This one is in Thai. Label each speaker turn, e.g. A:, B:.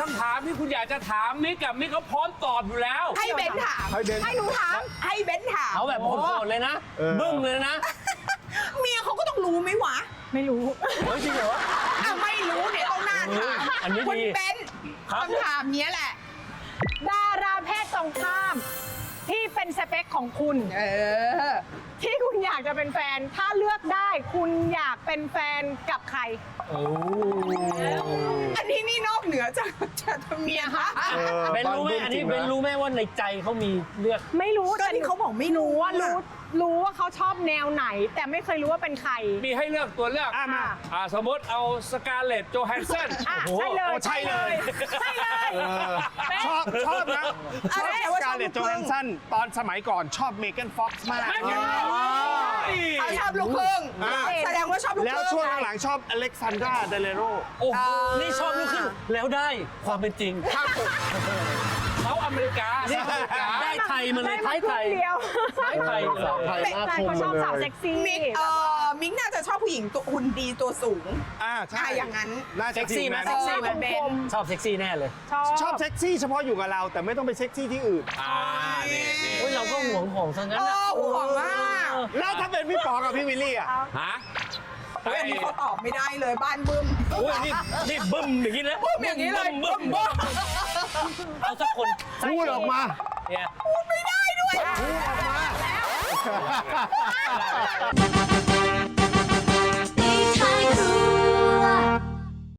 A: คำถามที่คุณอยากจะถามมิกกับมิกเขาพร้อมตอบอยู่แล้ว
B: ให้เบนถาม
C: ให้หนูถาม
B: ให้เบนถาม
D: เอาแบบโหดๆเลยนะบึ้มเลยนะ
B: เมียเขาก็ต้องรู้ไหมวะ
C: ไม่รู้
D: เฮ้ยจริงเหรอ
B: ไม่รู้เนี่ยต้องหน้าถาม
D: อันนี้ดี
B: คุณเบน
D: ครับ
B: คำถามเนี้ยแหละ
C: ดาราเพศตรงข้าม ที่เป็นสเปคของคุณ ที่คุณอยากจะเป็นแฟน ถ้าเลือกได้คุณอยากเป็นแฟนกับใคร
B: อันนี้นี่นอกเหนือจากเมียคะ
D: เบนรู้ไหมอันนี้เบนรู้ไหมว่าในใจเขามีเลือก
C: ไม่รู้
B: ก็ที่เขาบอกไม่รู้
C: ว่ารู้ว่าเขาชอบแนวไหน แต่ไม่เคยรู้ว่าเป็นใคร
A: มีให้เลือกตัวเลือก
C: มา
A: สมมติเอาสกาเลตโจแฮนเซน
C: อ่ะใช่เลย
E: ใช่เลย
C: ใช่เลย
E: ชอบนะชอบสกาเลตโจแฮนสันตอนสมัยก่อนชอบเมแกนฟ็อกซ์มาก
B: เขาชอบลูกครึ่งแสดงว่าชอบลูกค
E: แล้ว
B: รึ่ง
E: ช่วงหลังๆชอบอเล็กซานดราเดเลโร
D: โอ้โหนี่ชอบลูกครึ่งแล้วได้ความเป็นจริง
A: เขาอเมริกา
D: ได้ไทยมาเลยไทยไทย
C: เดียว
D: ไทยไทยเลย
C: แฟนเขาชอบสาวเซ็กซี่
B: มิกน่าจะชอบผู้หญิงตัวหุ่นดีตัวสูง
E: ใช่
B: อย่างนั้น
E: น่า
D: เซ็กซี่ไหม
E: นะ
D: เซ็กซี่ไหม
B: เบน
D: ชอบเซ็กซี่แน่เลย
E: ชอบเซ็กซี่เฉพาะอยู่กับเรา แต่ไม่ต้องไปเซ็กซี่ที่อื่น
D: โอ้ยเราก็ห่วงของซะงั้นนะ
B: ห่วงมาก
E: แล้วถ้าเป็นพี่ป๋อกับพี่วิลลี่อ่ะ
A: ฮะ
B: เฮ้ยอันนี้เขาตอบไม่ได้เลยบ้านบึ้ม
D: โอ้ยนี่บึ้มอย่างนี้นะ
B: บึ้มอย่างนี้เลย
D: บึ้มเอาสักคน
E: พูดออกมา
D: เนี่ย
B: ไม่ได้ด้วย
F: Daytime Crew